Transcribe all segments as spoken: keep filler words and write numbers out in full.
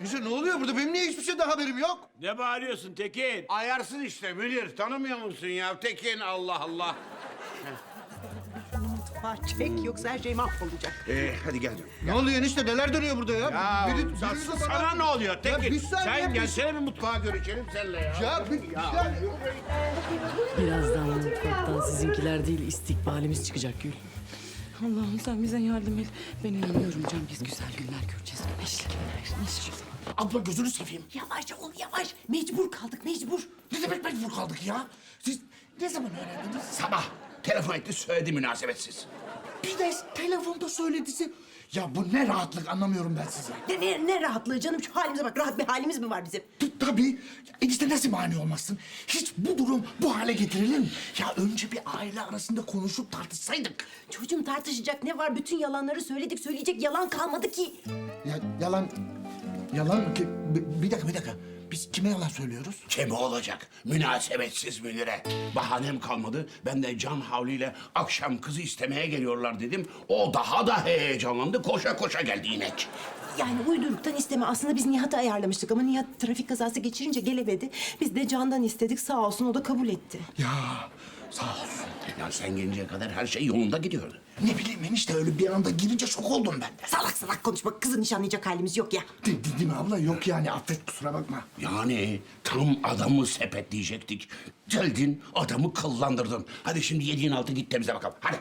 Gülsün ne oluyor burada? Benim niye hiçbir şeyden haberim yok? Ne bağırıyorsun Tekin? Ayarsız işte Münir. Tanımıyor musun ya? Tekin Allah Allah. Mutfağa çek yoksa her şey mahvolacak. Ee, hadi gel canım. Ne oluyor enişte? Neler dönüyor burada ya? Ya Biri- sa- biriniz de bana- sana ne oluyor Tekin? Ya bir saniye, Sen bir- gelsene bir mutfağa görüşelim seninle ya. Ya bir, bir saniye. Birazdan mutfaktan sizinkiler değil istikbalimiz çıkacak Gül. Allah'ım sen bize yardım et. Ben inanıyorum Can, biz güzel günler göreceğiz. Neşli günler, neşli. Abla gözünü seveyim. Yavaş ol yavaş. Mecbur kaldık mecbur. Ne demek mecbur kaldık ya? Siz ne zaman öğrendiniz? Sabah telefon etti söyledi münasebetsiz. Bir de telefonda söyledisi. Ya bu ne rahatlık anlamıyorum ben size. Ne, ne, ne rahatlığı canım şu halimize bak. Rahat bir halimiz mi var bizim? T- Tabii. Enişte nasıl mani olmazsın? Hiç bu durum bu hale getirilir mi? Ya önce bir aile arasında konuşup tartışsaydık. Çocuğum tartışacak ne var? Bütün yalanları söyledik. Söyleyecek yalan kalmadı ki. Ya yalan... Yalan mı ki? Bir, bir dakika bir dakika. Biz kime yalan söylüyoruz? Kimi olacak? Münasebetsiz Münir'e. Bahanem kalmadı. Ben de Can Havli ile akşam kızı istemeye geliyorlar dedim. O daha da heyecanlandı. Koşa koşa geldi inek. Yani uyduruktan isteme. Aslında biz Nihat'ı ayarlamıştık ama Nihat trafik kazası geçirince gelemedi. Biz de Can'dan istedik. Sağ olsun o da kabul etti. Ya sağ olsun. Ya sen gelinceye kadar her şey yolunda gidiyordu. Ne bileyim enişte öyle bir anda girince şok oldum ben de. Salak salak konuşma. Kızı nişanlayacak halimiz yok ya. De, de- değil mi abla? Yok yani affet kusura bakma. Yani tam adamı sepetleyecektik. Geldin adamı kıllandırdın. Hadi şimdi yediğin altı git temizle bakalım. Hadi.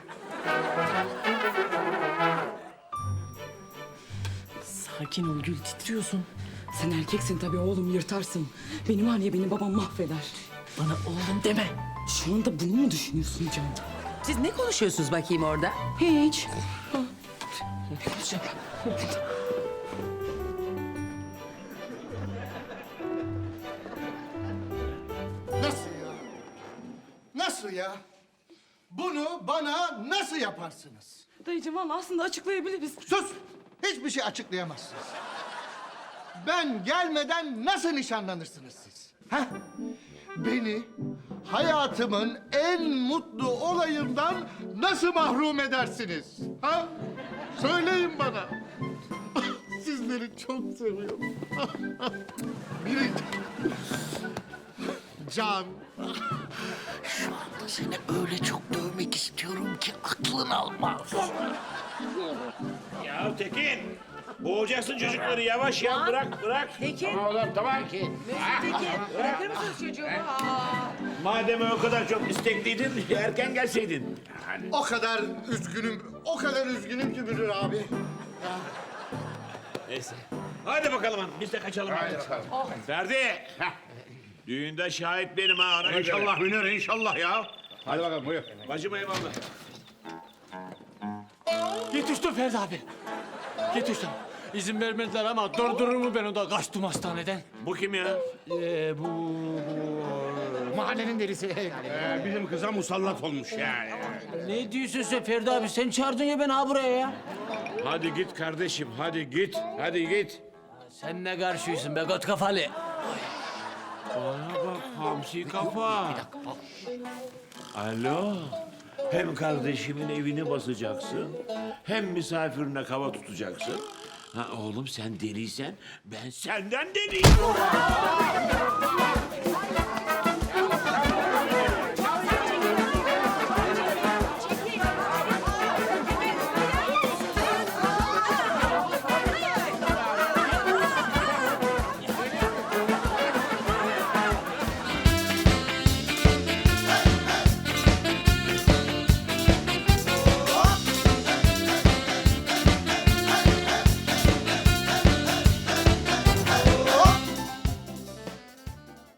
Sakin ol Gül, titriyorsun. Sen erkeksin tabii oğlum, yırtarsın. Benim var ya, beni babam mahveder. Bana oğlum deme. Şu anda bunu mu düşünüyorsun Can? Siz ne konuşuyorsunuz bakayım orada? Hiç. Ha. Ne konuşacağım? Nasıl ya? Nasıl ya? Bunu bana nasıl yaparsınız? Dayıcığım valla aslında açıklayabiliriz. Sus! Hiçbir şey açıklayamazsınız. Ben gelmeden nasıl nişanlanırsınız siz? Ha? Beni hayatımın en mutlu olayından nasıl mahrum edersiniz? Ha? Söyleyin bana. Sizleri çok seviyorum. Biri... Can. Seni öyle çok dövmek istiyorum ki aklın almaz. Ya Tekin, boğacaksın çocukları yavaş ya, bırak bırak. Tekin, Oğlum tamam ki. Tekin bırakır mısınız çocuğumu? Aa. Madem o kadar çok istekliydin, erken gelseydin. Yani. O kadar üzgünüm, o kadar üzgünüm ki Müdür abi. Neyse. Hadi bakalım hanım, biz de kaçalım. Hadi bakalım. Ferdi, Heh. düğünde şahit benim ha. Ona göre. İnşallah Münir inşallah ya. Hadi bakalım buyur. Bacım eyvallah. Yetiştim Ferdi abi. Yetiştim. İzin vermediler ama durdurur mu ben o da kaçtım hastaneden. Bu kim ya? Ee, bu, bu... Mahallenin delisi. Ee, bizim kıza musallat olmuş yani. Ne diyorsun sen Ferdi abi? Sen çağırdın ya beni ha buraya ya. Hadi git kardeşim, hadi git. Hadi git. Sen ne karşıysın be göt kafalı? Bana bak hamsi kafa. Alo. Hem kardeşimin evini basacaksın, hem misafirine kava tutacaksın. Ha oğlum sen deliysen ben senden deliyim.